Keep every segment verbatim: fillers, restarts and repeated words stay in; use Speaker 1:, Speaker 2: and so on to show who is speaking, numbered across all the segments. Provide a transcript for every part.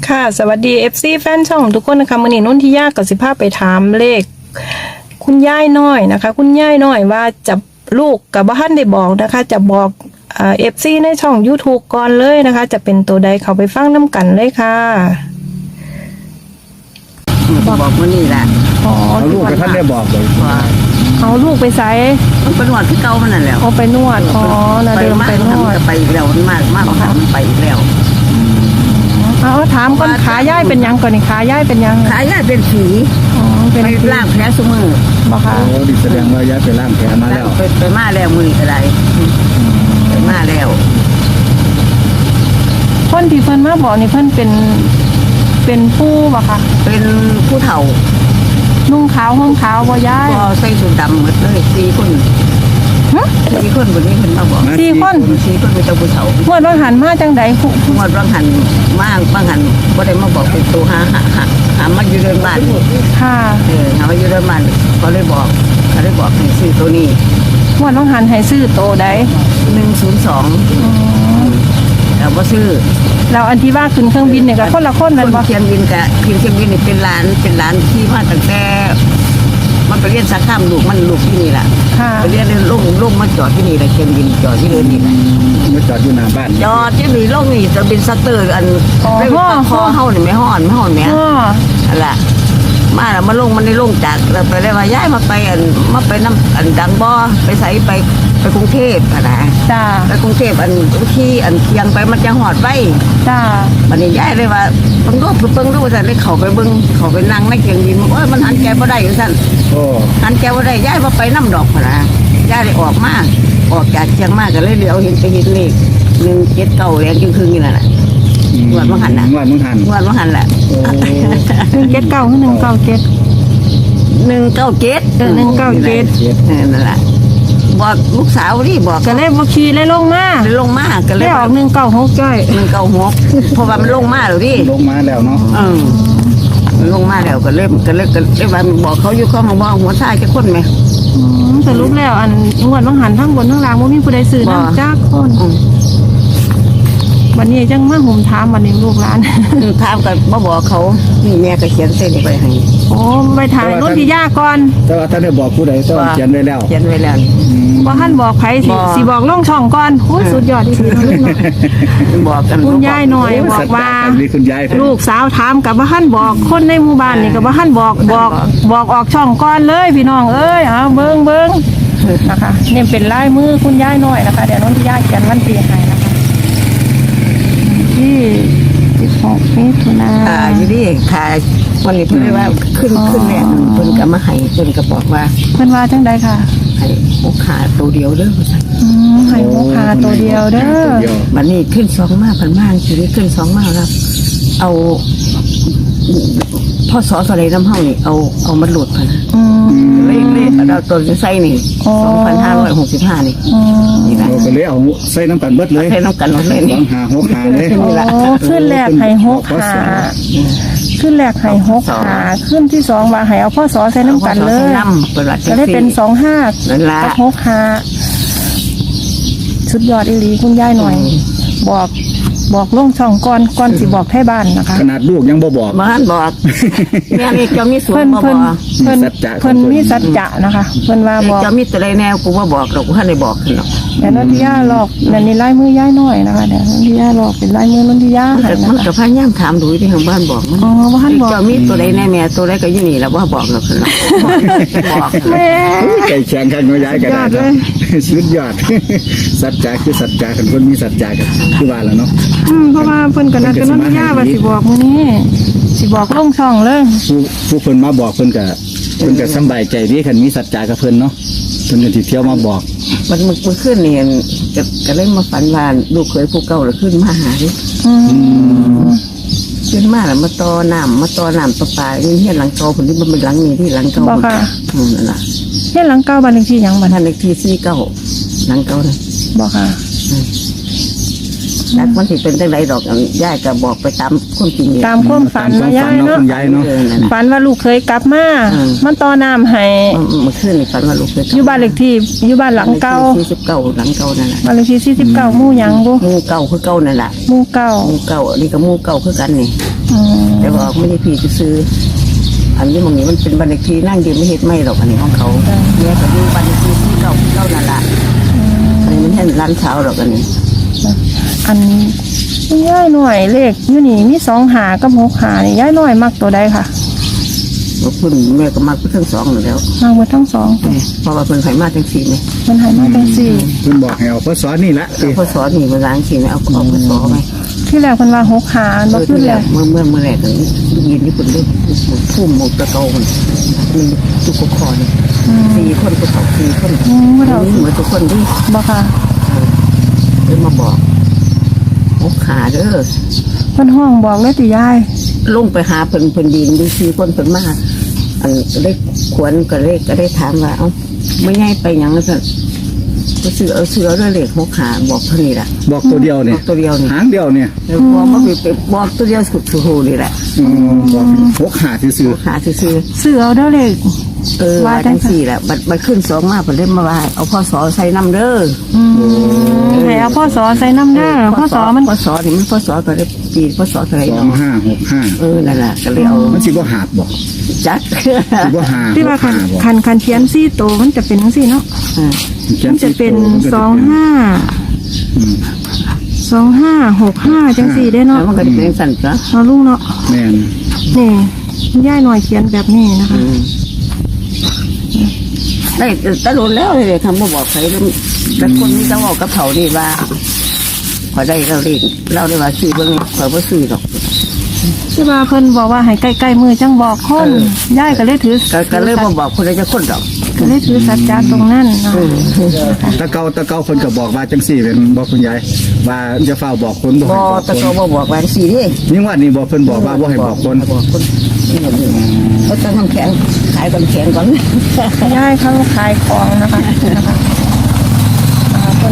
Speaker 1: ค่ะสวัสดี เอฟ ซี แฟนช่องทุกคนนะคะมื้อนี้นุ่นที่ยากกับสิภาพไปถามเลขคุณย่ายน้อยนะคะคุณย่ายน้อยว่าจะลูกกับบ้านได้บอกนะคะจะบอกเอ่อ เอฟ ซี ในช่อง YouTube ก่อนเลยนะคะจะเป็นตัวใดเขาไปฟังน้ำกันเลยค่ะ
Speaker 2: บอกว่านี่แหละ
Speaker 1: อ๋อ
Speaker 3: เอาลูกกับท่านได้บอกเลย
Speaker 2: ว่า
Speaker 1: เอาลูกไปใส่
Speaker 2: มันเป็นวันที่เก่ามันนั่นแหละ
Speaker 1: เอาไปนวดอ๋อนะเดิมไปนวด
Speaker 2: ไปอีกแล้วมันมากมากค่ะมันไปอีกแล้ว
Speaker 1: เอาถามก่อนขาย่ายเป็นยังก่อนนี่ขาย่ายเป็นยัง
Speaker 2: ขายาเป็นผี
Speaker 1: อ๋อเป็น
Speaker 2: ไปล่างแผลสมือ
Speaker 1: บอกค่ะ
Speaker 3: โอ้ดิแสดงว่าย้ายไปล่างแผลมาแล้ว
Speaker 2: ไปไปมาแล้วมืออะไรไปมาแล้ว
Speaker 1: คนที่เพิ่นมาบอกนี่เพิ่นเป็นเป็นผู้บ่ค่ะ
Speaker 2: เป็นผู้เฒ่า
Speaker 1: นุ่งขาวห่มขาวบ่ย้าย
Speaker 2: ก็ใส่สูทดำหมดเลยสี่คน
Speaker 1: ฮะ
Speaker 2: สี่คนบนนี้เพิ่นมาบอก
Speaker 1: สี่คน
Speaker 2: สี่คนเป็นเจ้าผู้เฒ่า
Speaker 1: เมื่อเราหันมาจังใดผู้
Speaker 2: งวดบางหันมากบางหันบ่ได้มาบอกเป็นตัวหาหาหาหามาอยู่เดินบ้าน
Speaker 1: ค่ะ
Speaker 2: เออหามาอยู่เดินบ้านเขาเลยบอกเขาเลยบอกให้ซื้อตัวนี้
Speaker 1: เมื่อเราหันให้ซื้อโตใด
Speaker 2: หนึ่งศูนย์สองแต่ว่าซื้อ
Speaker 1: แล้วอันที่ว่าขึ้นเครื่องบินเนี่ยก็คนละคน
Speaker 2: ค
Speaker 1: แม่น
Speaker 2: น
Speaker 1: บ่
Speaker 2: เชียงบินกับทีมเชียงบินนี่เป็นร้านเป็นร้านที่มาตั้งแต่มันไปเรียนสาขาลูกมันลูกที่นี่แหละ
Speaker 1: ค่ะ
Speaker 2: ไปเรียนเรียนลงลงมาจอดที่นี่แหละเชียงบินจอดที่เดินนี่แหละ
Speaker 3: มาจอดอยู่หน้าบ้าน
Speaker 2: จอดที่นี่ลงนี่จะเป็นซัตเตอร์อันได้ปากคอเฮานี่ไม่ห่อนไม่ห่อนแม่
Speaker 1: อ๋อ
Speaker 2: อะไรมาแล้วมาลงมันได้ลงจากแล้วไปเลยว่าย้ายมาไปอันมาไปน้ำอันดังบ่อไปใส่ไปไปกรุงเทพอะนะ
Speaker 1: จ้า
Speaker 2: ไปกรุงเทพอันที่อันเคียงไปมันจะหอดไว้
Speaker 1: จ้า
Speaker 2: วันนี้ย้ายเลยว่าเบิ่งรูปเบิ่งรูปสั่นเลยเขาไปเบิ่งเขาไปนั่งในเกียงดินว่ามันหันแกบ่ได้อยู่สั่น
Speaker 3: โอ้
Speaker 2: หันแกบ่ได้ย้ายว่าไปน้ำดอกพะนะย้ายเลยออกมาออกจากเชียงมาก็เลยเหลียวเห็นไปเห็นเลขหนึ่งเจ็ดเก้าแรงจึงคืนนี่แหละ งวดมังหันน่ะ
Speaker 3: งวดมังหัน
Speaker 2: งวดว่าหันแหละ
Speaker 3: โอ้
Speaker 1: หนึ่งเจ็ดเก้าคือหนึ่งเก้าเจ็ด
Speaker 2: หนึ่งเก้าเจ็ด
Speaker 1: เออหนึ่งเก้าเจ็ด
Speaker 2: นั่นแหละบอกลูกสาวนี่บอก
Speaker 1: ก็เลยบ่ขี่เลยลงมา
Speaker 2: เลยลงมาก็เล
Speaker 1: ได้
Speaker 2: ย
Speaker 1: ออกหนึ่งเก้าหกจ้อย
Speaker 2: หนึ่งเก้าหกเพราะว่ามันลงมาแล้วดิ
Speaker 3: ลงมาแล้วเนาะ
Speaker 2: เออมันลงมาแล้วก็เริ่มก็เริ่มก็เริ่มบอกเขาอยู่ข้างบอกหัวท่าจะคนไหม
Speaker 1: อืมสรุปแล้วอันงวดบางหันทั้งบนทั้งล่างบ่มีผู้ใดซื้อ
Speaker 2: บ่
Speaker 1: นำจักคน
Speaker 2: อืม
Speaker 1: วันนี้จังมาห่มถามวันนี้ลูกหลาน
Speaker 2: ถามกันมาบอกเขานี่แม่ก็เขียนเส้นไปให้
Speaker 1: โอ้ไปถ่ายรถที่ย่าก่อน
Speaker 3: แต่ว่าท่านได้บอกผู้ใดต้องเขียนไว้แล้ว
Speaker 2: เขียนไว้แล้ว
Speaker 3: อืม
Speaker 1: บ่ท่านบอกไผสิ
Speaker 2: บ่
Speaker 1: สิบอกลงช่องก่อนโอ้ยสุดยอดที่สุดลูกเนาะ
Speaker 2: บอกกัน
Speaker 1: คุณยายหน่อย บอกว่า
Speaker 3: สัจจะกันนี่คุณยายเพิ่น
Speaker 1: ลูกสาวถามกับบ่ท่านบอกคนในหมู่บ้านนี่ก็บ่ท่านบอกบอกบอกออกช่องก่อนเลยพี่น้องเอ้ยเอาเบิ่งเบิ่งนะคะนี่เป็นลายมือคุณยายน้อยนะคะเดี๋ยวน้องที่ยายเขียนวันที่ให้นะคะที่สิบหกมิถุนา
Speaker 2: อ่าอยู่ดิค่ะวันนี้เพิ่นเลยว่าขึ้นขึ้นแม่เพิ่นก็มาให้เพิ่นก็บอกว่า
Speaker 1: เพิ่นว่าจังใดค่ะ
Speaker 2: ให้โอขาตัวเดียวเด้อ
Speaker 1: อืมให้หมูคาตัวเดียวเด้อ
Speaker 3: เดียว
Speaker 2: วันนี้ขึ้นสองมาพันมากทีนี้ขึ้นสองมาแล้วเอาพ่อสอสอะไรน้ำเฮานี่เอาเอามันหลุดพัน
Speaker 1: อืม
Speaker 2: เลขเลขเราตัวไส้นี่
Speaker 1: อ๋อ
Speaker 2: สองพันห้าร้อยหกสิบห้านี่
Speaker 1: อืม
Speaker 2: นี่แหละ
Speaker 3: เราก็เลยเอาใส่น้ำกันเบิดเลย
Speaker 2: ใช้น้ำกันหมดเลย
Speaker 3: สอ
Speaker 2: นี่
Speaker 3: งหาหกหาเลย
Speaker 1: โอ้ขึ้นแรกให้หกหาขึ้นแรกให้หกหาขึ้นที่สองว่าให้เอาพ่อสอใส่น้ำกันเลย
Speaker 2: น้ำเปิดวัด
Speaker 1: จะได้เป็นสองห้า
Speaker 2: นั่นละ
Speaker 1: กับหกหาสุดยอดอีหลีคุณยายหน่อย บอกบอกลงช่องก่อนก่อนสิบอกให้บ้านนะคะ
Speaker 3: ขนาดลูกยังบ่บอก
Speaker 2: บ้านบอกแม่นี่เจ้ามีสูง
Speaker 1: เพิ่น
Speaker 2: มาบ
Speaker 1: เพิ่น
Speaker 2: อก
Speaker 1: เพิ่น
Speaker 3: มีสัจจะของเพิ่
Speaker 1: เพิ่น
Speaker 3: น
Speaker 1: มีสัจจะนะคะเพิ่นว่าบอก
Speaker 2: เจ้ามีตัวใดแนวกูว่าบอกหรอกกูให้ได้บอกขึ้นหรอก
Speaker 1: แต่นนทิยาหลอกนั่นนี่ลายมือย่ายน้อยนะคะเดี๋ยวนนทิยาหลอกเป็นลายมือนนทิยา
Speaker 2: มัน
Speaker 1: ให้
Speaker 2: ก็
Speaker 1: นะ
Speaker 2: มัน
Speaker 1: คะ
Speaker 2: ก็พยายามถามดูที่ทางบ้านบอกมัน
Speaker 1: อ๋อว่าท่านบอก
Speaker 2: เจ้ามีตัวใดแน่แม่ตัวใดก็อยู่นี่แล้วว่าบอกหรอกขึ้นหรอกบอก
Speaker 1: แม่
Speaker 3: ไก่แข็งกันน้อยย้ายกันได้
Speaker 1: ยอดเลย
Speaker 3: สุดยอด สัจจะคือสัจจะกันคนมีสัจจะกันคือว่าแล้วเนาะ
Speaker 1: อืมเพราะว่าเพิ่นกันนัดกันนนทิยาว่าสิบอกมื้อนี้สิบอกลงช่องเลย
Speaker 3: ผู้ผู้เพิ่นมาบอกเพิ่นก็เพิ่นก็สำบายใจดีคันมีสัจจะกับเพิ่นเนาะเพิ่นก็สิเที่ยวมาบอก
Speaker 2: มันมันมันขึ้นเนี่ยก็ก็เลยมาฝันว่าลูกเคยผู้เก่าแล้วขึ้นมาหาดิ
Speaker 1: อืม
Speaker 2: ขึ้นมาแล้วมาต่อน้ำมาต่อน้ำประปานี่เฮียนหลังเก่าคนที่มันเป็นหลังนี้ที่หลังเก่า
Speaker 1: บอกค่ะ
Speaker 2: อืมนั่นแหละ
Speaker 1: เฮ็ดหลังเก้าบ้านเลขที่หยังบัด
Speaker 2: ท่านเลขที่สี่เก้าหลังเก่าเลย
Speaker 1: บอกค่ะ
Speaker 2: จากมันสิเป็นจังไรดอกย่ายก็บอกไปตามคนจริงเลย
Speaker 1: ตามความฝัน
Speaker 3: ตาม
Speaker 1: นะ
Speaker 3: ความ
Speaker 1: ยา
Speaker 3: ฝั
Speaker 1: ย
Speaker 3: น
Speaker 1: เนาะ
Speaker 3: เนาะคุณยายเนาะ
Speaker 2: เออนั่นน่ะ
Speaker 1: ฝันว่าลูกเคยกลับมา
Speaker 2: อืม
Speaker 1: มันต่อน้ำให้
Speaker 2: เมื่อคืนนี่ฝันว่าลูกเคย
Speaker 1: อยู่บ้านเลขที่อยู่บ้านหลังเก่า
Speaker 2: สี่สิบเก้าหลังเก่านั่นแหละ
Speaker 1: บ้านเลขที่สี่สิบเก้าหมู่หยังบ่
Speaker 2: หมูเก่าคือเก่านั่นแหละ
Speaker 1: หมู่เก้า
Speaker 2: หมูเก่านี่ก็หมูเก่าคือกันนี่
Speaker 1: อืม
Speaker 2: แต่ว่าไม่ได้พี่จะซื้ออันนี้มองนี้มันเป็นบันเลขที่นั่งยืนไม่เฮ็ดไม่หรอกอันนี้ของเขาแม่ก็ดูบันเลขที่ที่เก่าเก่านั่นละอันนี้มันแค่ร้านเช้าหรอกอันนี้
Speaker 1: อันคุณย่ายหน่อยเลขอยู่นี่มีสองหากับหกหานี่ย่ายหน่อยมักตัวใดค่ะ
Speaker 2: ว่าคุณแม่ก็มักทั้งสองอยู่แล้ว
Speaker 1: มักหมดทั้งสอง
Speaker 2: เพราะว่าเป็นไขมาจังสีเนี่ย
Speaker 1: มันใหายมาจังสี่
Speaker 3: เพิ่นบอกให้เอาพศนี่ละ
Speaker 2: เอาข้อสอนนี่มาล้างสีเนี่ยเอาเอาข้อสอนไหม
Speaker 1: ที่แรกคนว่าหกหา
Speaker 2: เอ
Speaker 1: บ่
Speaker 2: อ
Speaker 1: ขึ้น
Speaker 2: ที่
Speaker 1: เล
Speaker 2: แร
Speaker 1: ย
Speaker 2: กเมื่อเมื่อเมื่อแรกกันยินที่คุณได้พุ่มหมกตะเกาคนมันตุกคอเนี่ยสี่คนก็สองสี่คน
Speaker 1: อืมบ่เท่า
Speaker 2: นี่เหมือนทุกคนที่
Speaker 1: บ่ค่ะ
Speaker 2: เลยมาบอกหกขาเด้อ
Speaker 1: เพิ่นห้องบอกเลยติย่าย
Speaker 2: ลงไปหาเพิ่นเพิ่นดินดูซีคนเพิ่นมาอันก็ได้ขวนก็ได้ก็ได้ถามว่าเอ้าไม่ง่ายไปหยังแล้วก็ก็ซื้อเอาซื้อเอาด้วยเลขหกขาบอกเท่านี้แหละ
Speaker 3: บอกตัวเดียว
Speaker 2: บ
Speaker 3: เนี่
Speaker 2: อย กตัวเดียวนี่
Speaker 3: หางเดียวเนี่ย
Speaker 2: แล้วบอกว่าไปบอกตัวเดียวสุดสุดนี่แหละ
Speaker 3: อืมบอกหกหาซื่อ
Speaker 2: หกขาซื้อ
Speaker 1: เสือเอาเด้อเลข
Speaker 2: เออว่าจังสี่แหละบัดบัดขึ้นสองมาเพิ่นเล่นมาว่าเอาพ่อสอใส่น้ำเด้อ
Speaker 1: อืมให้เอาพ่อสอใส่น้ำเด้อพ่อสอมัน
Speaker 2: พ่อสอนี่มันพ่อสอก็ได้ปีพ่อสอเท่าไหร่
Speaker 3: ๆสอง
Speaker 2: เนาะ
Speaker 3: ห้าหกห้า
Speaker 2: เออนั่นแหละก็เลยเอา
Speaker 3: มันสิบ่หาบบอก
Speaker 2: จัด
Speaker 3: สิบ่หา
Speaker 1: ที่ว่า
Speaker 3: ห
Speaker 1: คัน
Speaker 3: กห้าบอก
Speaker 1: คันคันเขียนซี่โตมันจะเป็นจังซี่เนาะ
Speaker 2: อ่า
Speaker 1: มันจะเป็นสองห้า
Speaker 3: อืม
Speaker 1: สองห้าหกห้าจังสี่ได้
Speaker 2: แล้
Speaker 1: เนาะ
Speaker 2: วมันก็จะเป็นสั่นจ้ะ
Speaker 1: เอาลูกเนาะ
Speaker 3: แม่น
Speaker 1: นี่คุณย่ายหน่อยเขียนแบบนี้นะคะ
Speaker 2: อืมได้ตะลุนแล้วเลยทำมาบอกใครแล้วแต่คนนี้จะบอกกับเขาดีว่าพอได้เราเรียกเราได้ว่าซื้อเบิ่งเขาบ่ซื้อหรอก
Speaker 1: ที่ว่าเพิ่นบอกว่าให้ใกล้ๆมือจังบอกคน
Speaker 2: เออ
Speaker 1: ย่ายก็เลยถือ
Speaker 2: ก็ก็เลยมาบอกคนใดจะคนดอก
Speaker 1: ก็เลยถือสัจจะตรงนั้นเนาะ
Speaker 3: ตะเกาตะเกาคนก็บอกว่าจังสี่เป็นบอกคุณยายว่าจะเฝ้าบอกคนบอก
Speaker 2: บ
Speaker 3: ให้
Speaker 2: อ
Speaker 3: บอก
Speaker 2: ตะ
Speaker 3: ค
Speaker 2: โก
Speaker 3: น
Speaker 2: บบอกแหวนสีนี่
Speaker 3: นี่ว่านี่บอกเพิ่นบอกว่าบ่ให้บอกคน
Speaker 2: บอกคนนี่แบบนี้เขาต้องทำแข็งขายก่อนแข็งก่อน
Speaker 1: ย่ายเขาขายของนะคะนะคะอ่าคน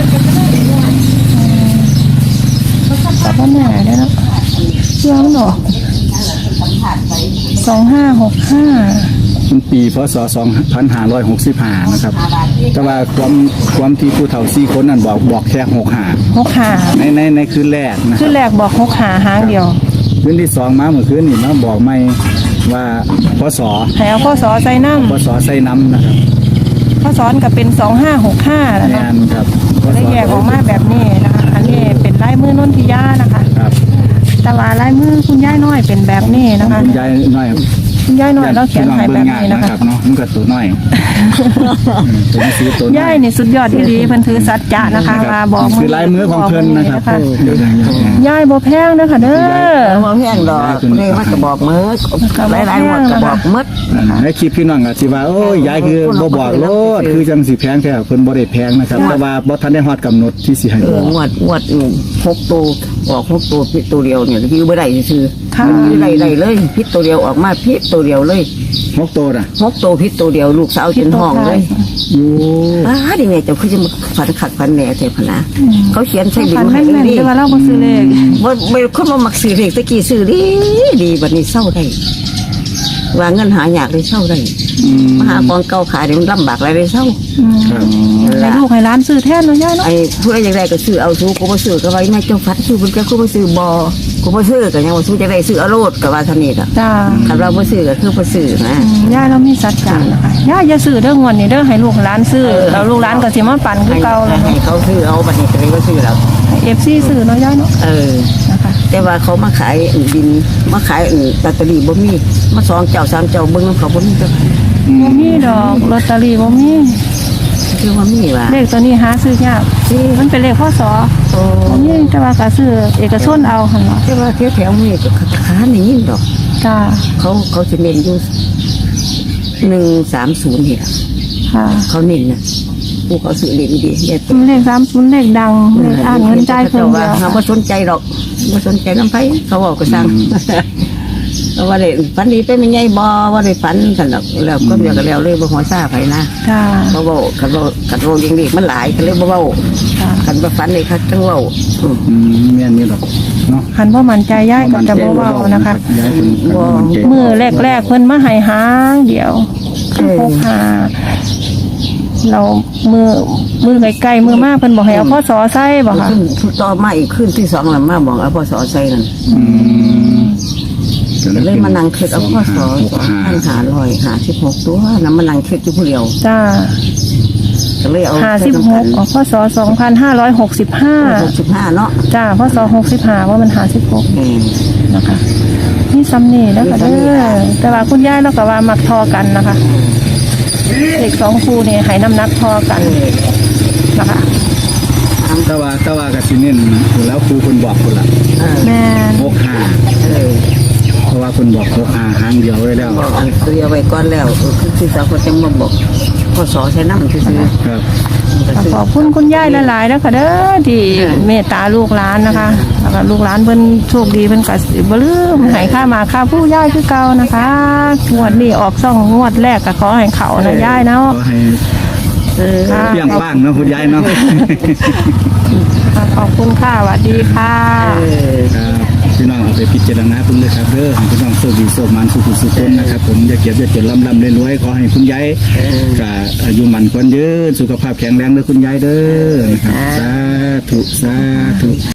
Speaker 1: แต่ว่าแม่ได้เนาะเชื่อมันหรอสองห้าหกห้า
Speaker 3: มันปีพศสองพันห้าร้อยหกสิบห้านะครับ แต่ว่าความความที่ผู้เฒ่าสี่คนนั้นบอกบอกแค่หกห้า
Speaker 1: หกหา
Speaker 3: ในในในคืนแรกนะค
Speaker 1: คื
Speaker 3: รั
Speaker 1: อบ แรกบอกหกหาหางเดียว
Speaker 3: คืนที่สองมาเมื่อคืนนี่มาบอกไม่ว่าพศ
Speaker 1: ให้เอาข้อสอใส่น้
Speaker 3: พศใส่น้ำนะครับ
Speaker 1: ำข้อสอนก็เป็นสองห้าหกห้าแล้ว
Speaker 3: แม
Speaker 1: เนาะ
Speaker 3: นครับพศ
Speaker 1: ได้แยกออกมาแบบนี้นะคะ อันนี้เป็นลายมือนนทิยานะคะ
Speaker 3: ครับ
Speaker 1: แต่ว่าลายมือคุณย่ายน้อยเป็นแบบนี้
Speaker 3: ขอ
Speaker 1: นะ
Speaker 3: ง
Speaker 1: คะ
Speaker 3: คุณยายน้อย
Speaker 1: คุณย่ายน้อยเราเขียน
Speaker 3: พี่
Speaker 1: ให้
Speaker 3: อง
Speaker 1: แบบ
Speaker 3: เงง่าย
Speaker 1: นี้นะ
Speaker 3: นะคะ ครับเนาะมันก็ตัวน้อยอืมตัวนี้ซื้อตัวน้อย
Speaker 1: ย่ายนี่สุดยอดที่ดีเพิ่นถือสัจจะนะคะว่าบอก
Speaker 3: คือลายมือของเพิ่นนะครับ
Speaker 1: บอกมือ
Speaker 3: เดี๋ยวนะ
Speaker 1: ย่ายบ่แพงเด้อค่ะเด้อ
Speaker 2: มองแห้งดอกเลยมันก็บอกมือหลายหลายหมดก็บอกมืด
Speaker 3: ในคลิปพี่น้องก็สิว่าโอ้ยยายคือบ่บอกโลดคือจังสิแพงแท้เพิ่นบ่ได้แพงนะครับ แต่ว่าบ่ทันได้ฮอดกำหนดที่สิให้
Speaker 2: เอบ อ
Speaker 3: อก
Speaker 2: งวดงวดหกตัวออกหกตัวพิษตัวเดียวเนี่ยคือไม่ได้ซื้อ
Speaker 1: ค่ะ
Speaker 2: ไม่ได้ได้เลยพิษตัวเดียวออกมาพิษตัวเดียวเลย
Speaker 3: หกโตน่ะ
Speaker 2: หกตัวพิษตัวเดียวลูกสาวจนห้องเลย
Speaker 3: โอ้
Speaker 2: อ้าดิไงเจ้าคือจะมาฝันขัดฝันแหน่เทพนะเขาเขียนใส่บิ
Speaker 1: ฝั
Speaker 2: น
Speaker 1: น
Speaker 2: ให้
Speaker 1: แม่น
Speaker 2: ดี
Speaker 1: ๆแต่ว่าเราบ่ซื้อเลข
Speaker 2: ว่าไม่คนมามักซื้อเลขตะกี้ซื้อดีดีบัดนี้เศร้าได้ว่าเงินหาอยากได้เศร้าได้
Speaker 3: อืม
Speaker 2: มาหากองเก่าขายเดี๋ยวมันลำบากอะไรได้เศร้า
Speaker 1: อืม
Speaker 3: ครับ
Speaker 1: ให้ลูกให้หลานซื้อแทนเนาะย่ายเนาะ
Speaker 2: ไอ้ผู้ใดอยากได้ก็ซื้อเอาซื้อกูมาซื้อก็ไว้ในเจ้าฟัดซื้อเพิ่นแกกูมาซื้อบ่กูมาซื้อก็ยังว่าซื้อจะได้ซื้อเอาโลดก็ว่าเท่านี้ล่ะ
Speaker 1: จ้า
Speaker 2: คันเราบ่ซื้อก็คือบ่ซื้อนะ
Speaker 1: อืมย่ายเรามีสัจจะนะคะย่ายอย่าซื้อเด้องวดนี้เด้อให้ลูกหลานซื้อแล้วลูกหลานก็สิมาปั่นคือเก่าเลย
Speaker 2: ให้เขาซื้อเอาบัดนี้ก็เลยบ่ซื้อแล้ว
Speaker 1: เอฟซีซื้อเนาะย่ายเนาะ
Speaker 2: เออ
Speaker 1: นะคะ
Speaker 2: แต่ว่าเขามาขายอื่นดินมาขายอื่นลอตเตอรี่บ่มีมาสองเจ้าสามเจ้าเบิ่งนำเขาบ่มีจัก
Speaker 1: บ่มีดอกลอตเตอรี่บ่มี
Speaker 2: คือว่ามีว่า
Speaker 1: เลขตัวนี้หาซื้อยากมันเป็นเลขพศ
Speaker 2: โอ้
Speaker 1: บ่มีแต่ว่าก็ซื้อเอกชนเอาหั่นเนาะ
Speaker 2: แต่ว่าแถวๆนี้ก็ค้านี่ดอก
Speaker 1: จ้า
Speaker 2: เขาเขาจะเน้นอยู่หนึ่งสามศูนย์นี่ล่ะ
Speaker 1: ค่ะ
Speaker 2: เขาเน้นนะผู้เขาซื้อเน้นดีเนี่ย
Speaker 1: เลขสามศูนย์เลขดังเลขอ่านเงินจ่ายเพิ่น
Speaker 2: ว่า
Speaker 1: เดียว
Speaker 2: เขาไม่สนใจหรอกไม่สนใจน้ำไฟเขาบอกก็สั่งเพราะว่าได้ฝันดีไปไม่ใหญ่บ่ว่าได้ฝันกันหรอกแล้วก็เดียวกันแล้วเลยบ่หัวซาไผนะ
Speaker 1: จ้า
Speaker 2: เขาบอกกันว่ากันว่ายังดีมันหลายกันเลยบ่เว้า
Speaker 1: จ้า
Speaker 2: กันบ่ฝันเลยครับจังเว้าอืม
Speaker 3: อืมแม่นนี่ดอกเนาะ
Speaker 1: คันบ่มั่นใจย่ายก็จะบ่เว้านะคะ
Speaker 3: ยายเป็นคนมั่นใจ
Speaker 1: มือแรกๆเพิ่นมาให้หางเดียวพกหาเรามือมือใกล้ๆมือมากเพิ่นบอกให้เอาพ่อสอใส่บ่ค่ะ
Speaker 2: ขึ้นต่อมาอีกขึ้นที่สองแล้วมาบอกเอาพศใส่นั่น
Speaker 3: อืม
Speaker 2: ก็เลยมานั่งคิดเอาพ่อสอสองพันห้าร้อยห้าสิบหกตัวน้ำมานั่งคิดอยู่ผู้เดียว
Speaker 1: จ้า
Speaker 2: ก็เลยเอา
Speaker 1: ห้าสิบหกอ๋อพศสองพันห้าร้อยหกสิบห้า
Speaker 2: หกสิบห้าเนาะ
Speaker 1: จ้าพศหกสิบห้าว่ามันห้าสิบหก
Speaker 2: เออ
Speaker 1: นะคะนี่ซ้ำนี่แล้วก็เด้อแต่ว่าคุณยายเราก็ว่ามักทอกันนะคะเด็กสองคู่นี่ให้น้ำหนักทอกันนะคะ
Speaker 3: แต่ว่าแต่ว่าก็สิเน้นอยู่แล้วครูคนบอกคนละ
Speaker 2: เออ
Speaker 1: แม่น
Speaker 3: หกห้า
Speaker 2: เออ
Speaker 3: เพราะว่าคนบอกหกห้าหางเดียวไว้แล้ว
Speaker 2: บอกอันเตรียมไว้ก่อนแล้วเออคือคือสาวคนจะมาบอกพ่อสอใช้น้ำซื้อ
Speaker 3: ครับ
Speaker 2: ๆ
Speaker 1: ขอบคุณคุณยายหลายๆนะคะเด้อที่เมตตาลูกหลานนะคะแล้วก็ลูกหลานเพิ่นโชคดีเพิ่นก็สิบ่ลืมให้ค่ามาค่าผู้ยายคือเก่านะคะงวดนี้ออกซ่องงวดแรกก็ขอให้เขานะยายเนาะ
Speaker 3: ก็ให้
Speaker 2: เออ
Speaker 1: ค่ะ
Speaker 3: เปี้ยงป้างเนาะคุณยายเนาะ
Speaker 1: ค่ะขอบคุณค่ะสวัสดีค่ะ
Speaker 2: เออ
Speaker 3: ครับพี่น้องเอาไปพิจารณาเพิ่งเลยครับเด้อให้พี่น้องโชคดีโชคมันสุขสุขคนนะครับผมอย่าเก็บอย่าจนลำลำรวยๆขอให้คุณยายกับอายุมันคนยืนสุขภาพแข็งแรงเด้อคุณยายเด้อนะครับสาธุสาธุ